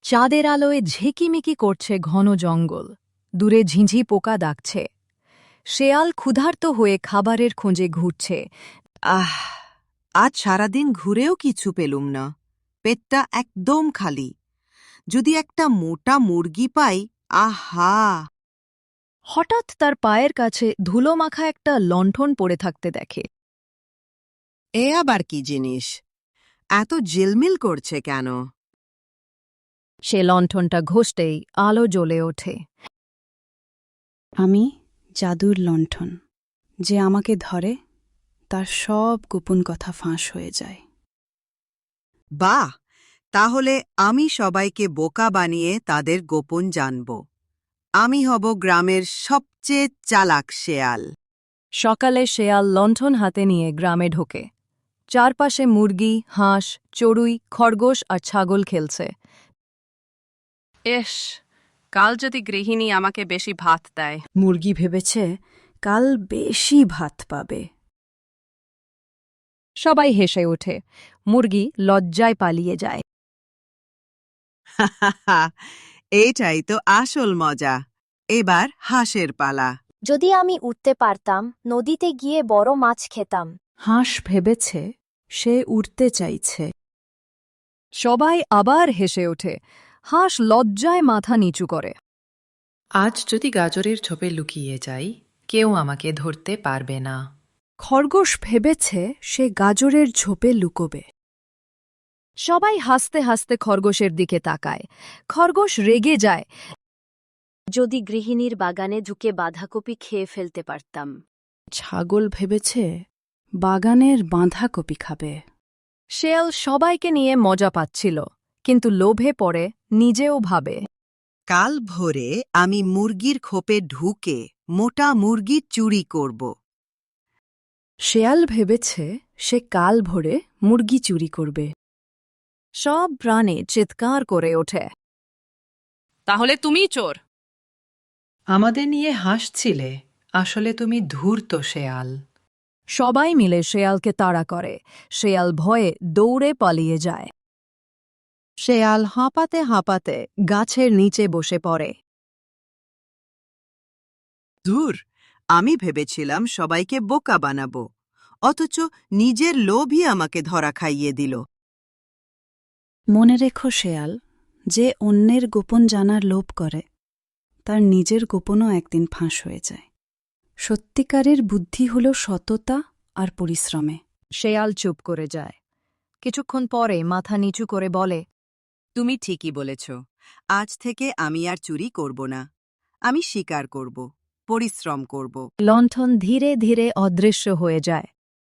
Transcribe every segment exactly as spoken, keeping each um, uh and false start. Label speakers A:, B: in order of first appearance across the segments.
A: চাঁদের আলোয় ঝিকিমিকি করছে ঘন জঙ্গল, দূরে ঝিঁঝি পোকা ডাকছে। শেয়াল ক্ষুধার্ত হয়ে খাবারের খোঁজে ঘুরছে।
B: আহ আজ সারাদিন ঘুরেও কিছু পেলুম না, পেটটা একদম খালি। যদি একটা মোটা মুরগি পাই, আহা!
A: হঠাৎ তার পায়ের কাছে ধুলো মাখা একটা লণ্ঠন পড়ে থাকতে দেখে।
B: এ আবার কি জিনিস? এত ঝিলমিল করছে কেন?
A: সে লণ্ঠনটা ঘষতেই আলো জ্বলে ওঠে।
C: আমি জাদুর লণ্ঠন, যে আমাকে ধরে তার সব গোপন কথা ফাঁস হয়ে যায়।
B: বাহ! তাহলে আমি সবাইকে বোকা বানিয়ে তাদের গোপন জানব। আমি হব গ্রামের সবচেয়ে চালাক শেয়াল।
A: সকালে শেয়াল লণ্ঠন হাতে নিয়ে গ্রামে ঢোকে। চারপাশে মুরগি, হাঁস, চড়ুই, খরগোশ আর ছাগল খেলছে।
D: এস, কাল যদি গৃহিণী আমাকে বেশি ভাত দেয়।
C: মুরগি ভেবেছে কাল বেশি ভাত পাবে।
A: সবাই হেসে ওঠে। মুরগি লজ্জায় পালিয়ে যায়।
B: এইটাই তো আসল মজা। এবার হাঁসের পালা।
E: যদি আমি উঠতে পারতাম, নদীতে গিয়ে বড় মাছ খেতাম।
C: হাঁস ভেবেছে সে উড়তে চাইছে।
A: সবাই আবার হেসে ওঠে। হাঁস লজ্জায় মাথা নিচু করে।
F: আজ যদি গাজরের ঝোপে লুকিয়ে যাই, কেউ আমাকে ধরতে পারবে না।
C: খরগোশ ভেবেছে সে গাজরের ঝোপে লুকোবে।
A: সবাই হাসতে হাসতে খরগোশের দিকে তাকায়। খরগোশ রেগে যায়।
E: যদি গৃহিণীর বাগানে ঢুকে বাঁধাকপি খেয়ে ফেলতে পারতাম।
C: ছাগল ভেবেছে বাগানের বাঁধাকপি খাবে।
A: শেয়াল সবাইকে নিয়ে মজা পাচ্ছিল, কিন্তু লোভে পড়ে নিজেও ভাবে।
B: কাল ভোরে আমি মুরগির খোপে ঢুকে মোটা মুরগির চুরি করব।
C: শেয়াল ভেবেছে সে কাল ভোরে মুরগি চুরি করবে।
A: সব প্রাণী চিৎকার করে ওঠে।
D: তাহলে তুমিই চোর।
F: আমাদের নিয়ে হাসছিলে, আসলে তুমি ধূর্ত শেয়াল।
A: সবাই মিলে শেয়ালকে তাড়া করে। শেয়াল ভয়ে দৌড়ে পালিয়ে যায়। শেয়াল হাঁপাতে হাঁপাতে গাছের নিচে বসে পড়ে।
B: ধুর, আমি ভেবেছিলাম সবাইকে বোকা বানাবো, অথচ নিজের লোভই আমাকে ধরা খাইয়ে দিল।
C: মনে রেখো শেয়াল, যে অন্যের গোপন জানার লোভ করে তার নিজের গোপনও একদিন ফাঁস হয়ে যায়। সত্যিকারের বুদ্ধি হল সততা আর পরিশ্রমে।
A: শেয়াল চুপ করে যায়। কিছুক্ষণ পরে মাথা নিচু করে বলে,
B: তুমি ঠিকই বলেছ। আজ থেকে আমি আর চুরি করব না। আমি শিকার করব, পরিশ্রম করব।
A: লণ্ঠন ধীরে ধীরে অদৃশ্য হয়ে যায়।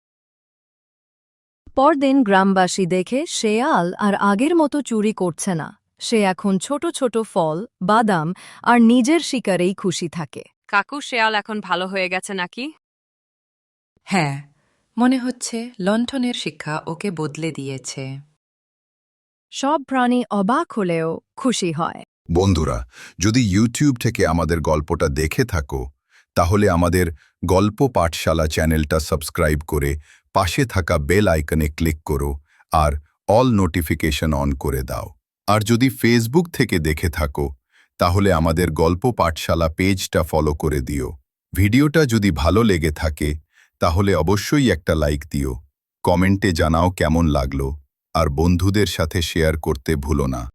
A: পরদিন গ্রামবাসী দেখে শেয়াল আর আগের মতো চুরি করছে না। সে এখন ছোট ছোট ফল, বাদাম আর নিজের শিকারেই খুশি থাকে।
D: কাকু, শেয়াল এখন ভালো হয়ে গেছে নাকি?
F: হ্যাঁ, মনে হচ্ছে লণ্ঠনের শিক্ষা ওকে বদলে দিয়েছে।
A: সব প্রাণী অবাক হলেও খুশি হয়।
G: বন্ধুরা, যদি ইউটিউব থেকে আমাদের গল্পটা দেখে থাকো, তাহলে আমাদের গল্প পাঠশালা চ্যানেলটা সাবস্ক্রাইব করে পাশে থাকা বেল আইকনে ক্লিক করো আর অল নোটিফিকেশন অন করে দাও। আর যদি ফেসবুক থেকে দেখে থাকো, তাহলে আমাদের গল্প পাঠশালা পেজটা ফলো করে দিও। ভিডিওটা যদি ভালো লেগে থাকে, তাহলে অবশ্যই একটা লাইক দিও, কমেন্টে জানাও কেমন লাগলো, আর বন্ধুদের সাথে শেয়ার করতে ভুলো না।